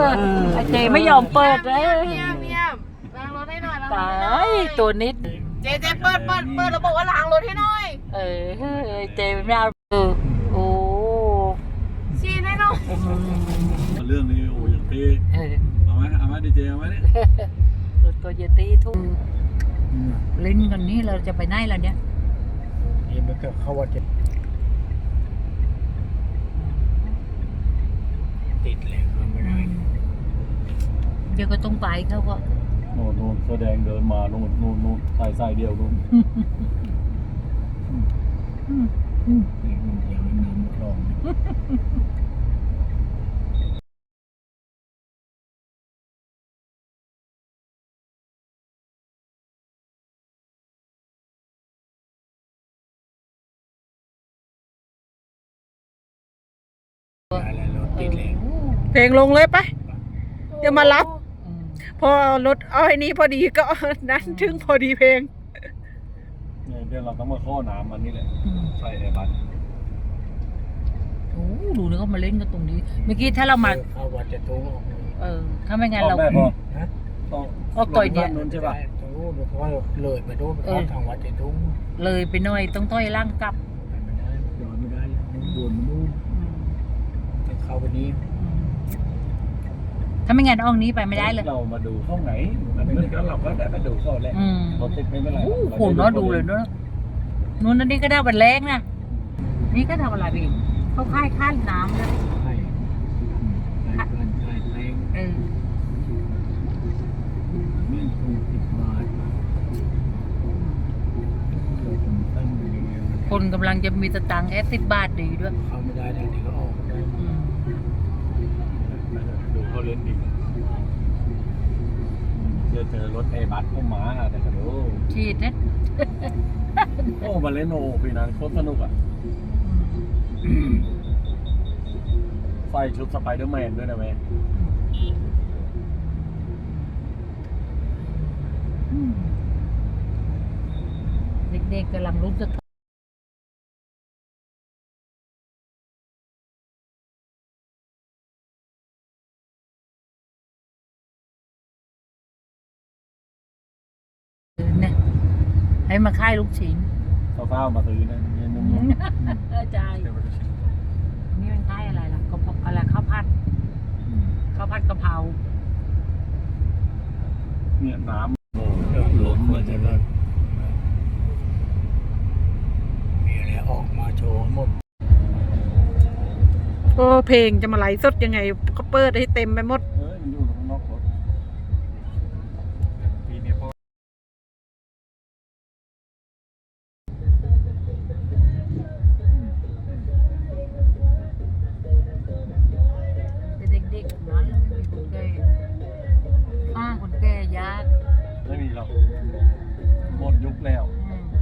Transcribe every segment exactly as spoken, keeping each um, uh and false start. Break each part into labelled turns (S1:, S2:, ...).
S1: ไอเจไม่ยอมเปิดเลย
S2: เยี่ยมเยี่ยมล้างรถให้หน่อยล้างร
S1: ตา
S2: ถให้หน่อย
S1: ยตัวนิด
S2: เจเจเปิดเปิดเปิดแล้วบอกว่าล้างรถให้หน่อย
S1: เออไอเจไม่เอาเออโอ้
S2: ชี้ให้หน่อย
S3: เรื่องนี้โอ้ยังตี
S1: เออ
S3: เอาไหมเอาไหมดีเจเอาไหมเนี่ย
S1: รถตัวเยตีทุ่งเล่นกันนี้เราจะไปไหนล่ะเนี่ย
S4: นี่มันก็เข้าว่าจะติดเลยก็ไม่ได้
S1: เดี๋ยวก็ต้องไปเขาก็
S3: โน่นโน่นแสดงเดินมาโน่นโน่นโน่นสายสายเดียวโน่น
S4: นี่มันเดี๋ยวน้ำคลองอะไรรถติดเลย
S2: เพลงลงเลยไปเดี๋ยวมารับ พอรถเอาไอ้นี้พอดีก็นั้นถึงพอดีเพลง
S3: เนี่ยเดี๋ยวเราต้องมาข้อน้ำมันนี่แหละใส่ไอ้บัตร
S1: โอ้ดูนี่ก็มาเล่นกันตรงนี้ เมื่อกี้ถ้าเรามา
S4: เข้าวัดจะทุ่งออกเลย
S1: เออ ถ้าไม่งั้น
S3: ออ
S1: เรา
S3: กได้พอ
S4: ฮะ
S3: ต้อง
S1: ก็ต่อยเดียว
S3: นู้นใช่ป่ะ
S4: ตรงนู้นเพราะว่าเลยไปดูไปเข้าทางวัดจะทุ่ง
S1: เลยไปหน่อยต้องต้อยล่างกลับ
S4: ไม่ได้ย้อนไม่ได้แล้วนู่นบนนู่นจะเข้าไปนี้
S1: ถ้าไม่งั้นออกนี้ไปไม่ได้เลย
S3: เรามาดูห้องไหนมันมืดก็เราก็ได้มาดูข้อแรก
S1: อืม
S3: รถติดไม่เป็นไร
S1: โอ้โหเนาะดูเลยเนาะนู้นนั่นนี่ก็ได้บันแรงนะนี่ก็ทำอะไรไปอีกเขาค่ายค่ายน้ำนะ
S4: ใช่ใช่กันใช่แพง
S1: เออ
S4: แม่งถูกสิบบาทเราถึงตั้งอยู่ในนี้มัน
S1: คนกำลังจะมีสตังค์แค่สิบบาทดีด้วย
S4: เข้าไม่ได้ทางนี้ก็ออกไม่ได้
S1: อืม
S3: ดูเขาเล่นดีเจอเจอรถไอ้บัตรเข้ามาแต่ก็ดู
S1: ชีดนะ
S3: โอ้มาเล่นโอ้ปีนั้นโคตรสนุกอ่ะใส่ชุดสไปเดอร์แมนด้วยนะแม่
S1: เด็กๆกำลังรู้สึกเนี่ยให้มาค่ายลูกชิ้น
S3: เศร้าๆมาซื้อนะเนี่ยนุ่มๆ
S1: ใช่นี่เป็นค่ายอะไรล่ะกะเพราอะไรข้าวผัดข้าวผัดกะเพรา
S3: เนี่ยน้ำโอ้
S4: เดินหลงมาจะเลิกมีอะไรออกมาโชว์หมด
S2: โอ้เพลงจะมาไหลฟ์สดยังไงก็เปิดให้เต็มไปหมด
S3: เอ้ยมันอยู่ข้างนอกรถปีนี้พ่อ
S1: เป็นเด็กๆนั้นแล้วไม่มีคนแก่ป้าคนแก่ยาก
S3: ไม่มีหรอกหมดยุคแล้ว
S1: อืม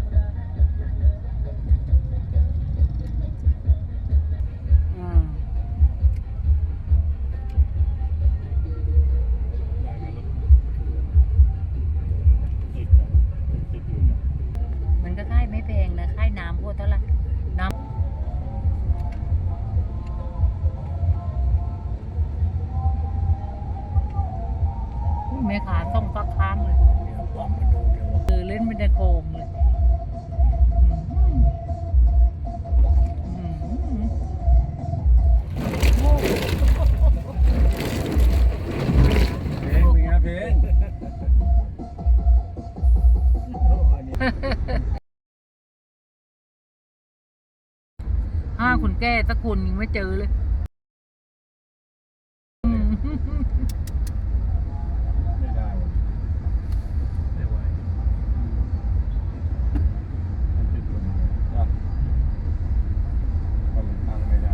S1: อืม
S3: ได้ไหมรถติดนะติดอยู่นะ
S1: มันก็ค่ายไม่แพงนะค่ายน้ำพวกเท่าไหร่น้ำแม่ขาต้องฟักค้างเลย
S4: เดี๋ยวความมาดูเดี๋ยวว่า
S1: เออเล่นเป็นในโคมเลยอืมอืมโอ้
S3: เพลงเป็นไงเพลง
S4: อันนี้
S1: ห้าคนแก่ตะกุนยังไม่เจอเลยอืม
S3: ไม่ได้ไม่ไหวมันติดลมอ่ะมันตั้งไม่ได้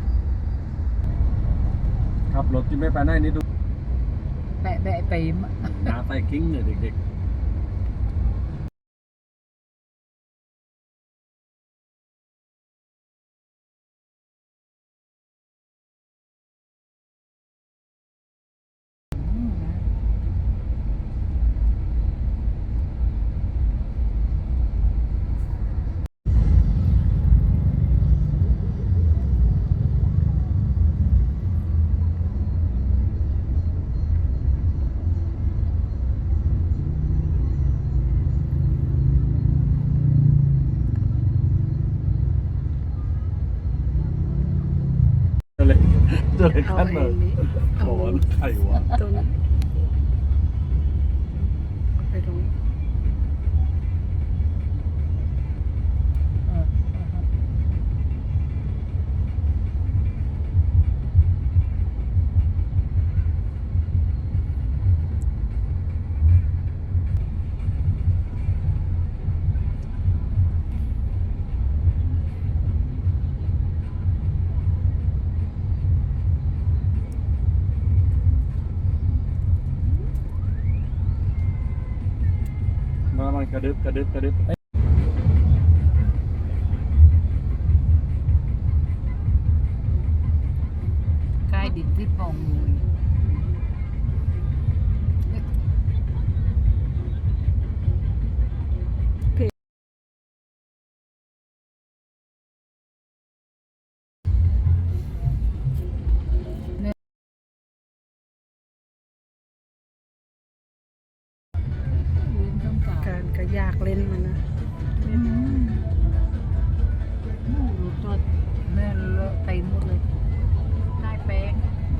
S3: ขับรถที่ไม่ไปไหนนี่ดู
S1: แปะแปะไปม
S3: หน้าใต้กิ้งเนี่ยเด็กตัวเล็ก
S2: เอา
S3: ขั้น
S2: เอ
S3: เลย
S2: งนี้เอา
S3: โอ้ยไข่วะ
S2: ตรงนี้ไปตรงนี้
S1: เออ
S3: มามันกระดึบกระดึบกระดึบ
S1: ใกล้ดินที่ปองงู
S2: การก็อยากเล่นมันนะ
S1: ดูตัวแม่เลอะเต็มหมดเลยได้แป้ง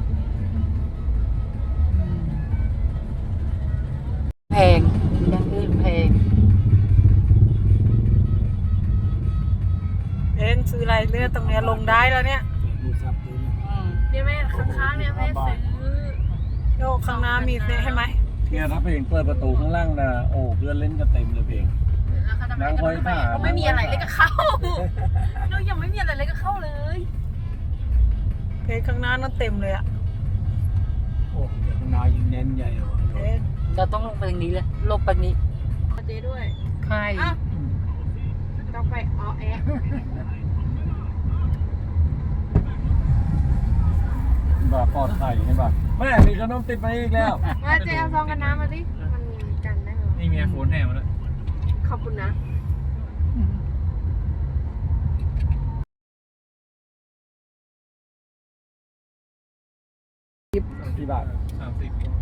S1: แพงอย่างอื่นแพง
S2: เอ็นซื้ออะไรเนื้อตรงเนี้ยลงได้แล้วเนี่ย
S4: ดูซับดูนะ
S5: เนี่ยแม่ข้างๆเนี่ยแม่ซื้อ
S2: โยกข้างหน้ามีเให้ไหม
S3: เนี่ยถ้าเพลงเปิดประตูข้างล่างนะโอ้เพื่อนเล่นกันเต็มเลยเพลง
S5: แล้วเขาทำอะไรกันทำไมก็ไม่มีอะไรเลยก็เข้าเรายังไม่มีอะไรเลยก็เข้าเลย
S2: เพจข้างหน้านั่นเต็มเลยอะ
S4: โอ้เดี๋ยวข้างหน้ายิงแน่นใหญ่เหรอ
S2: เพจ
S1: เราต้องลงไปตรงนี้เลยลงไปนี้
S5: เจ๊ด้วย
S1: ใคร
S5: ต้องไปออแอะ
S3: แบบปลอดภัยใช่ป่ะแม่มีขนมติดมาอีกแล้ว
S5: มาเจ๊เอาซองกันน้ำมาดิมันกันได้เหรอ
S4: นี่มีโฟนแน่มาแล้ว
S5: ขอบคุณนะ
S3: กี่บาท
S4: สามสิบ